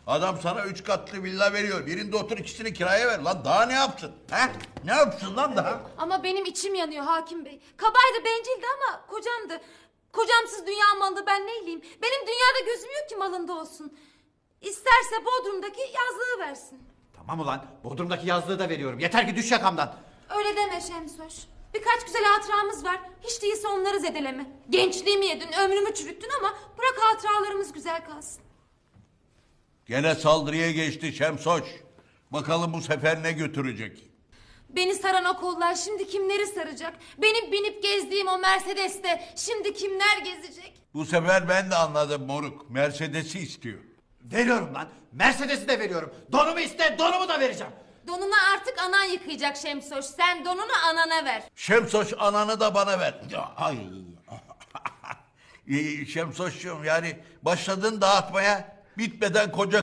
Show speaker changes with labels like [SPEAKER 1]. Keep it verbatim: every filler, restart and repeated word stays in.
[SPEAKER 1] Adam sana üç katlı villa veriyor. Birinde otur, ikisini kiraya ver. Lan daha ne yapsın? He? Ne yapsın lan daha?
[SPEAKER 2] Ama benim içim yanıyor hakim bey. Kabaydı, bencildi ama kocamdı. Kocamsız dünya malı ben neyleyim? Benim dünyada gözüm yok ki malında olsun. İsterse Bodrum'daki yazlığı versin.
[SPEAKER 3] Tamam ulan, Bodrum'daki yazlığı da veriyorum. Yeter ki düş yakamdan.
[SPEAKER 2] Öyle deme Şemsoş. Birkaç güzel hatıramız var. Hiç değilse onları zedeleme. Gençliğimi yedin, ömrümü çürüttün ama bırak hatıralarımız güzel kalsın.
[SPEAKER 1] Gene saldırıya geçti Şemsoç. Bakalım bu sefer ne götürecek?
[SPEAKER 2] Beni saran o kollar şimdi kimleri saracak? Benim binip gezdiğim o Mercedes'te şimdi kimler gezecek?
[SPEAKER 1] Bu sefer ben de anladım moruk. Mercedes'i istiyor.
[SPEAKER 3] Veriyorum lan. Mercedes'i de veriyorum. Donumu iste, donumu da vereceğim.
[SPEAKER 2] Donunu artık anan yıkayacak Şemsoş. Sen donunu anana ver.
[SPEAKER 1] Şemsoç ananı da bana ver. Ya, ay. Ee, Şemsoç'cum yani başladın dağıtmaya, bitmeden koca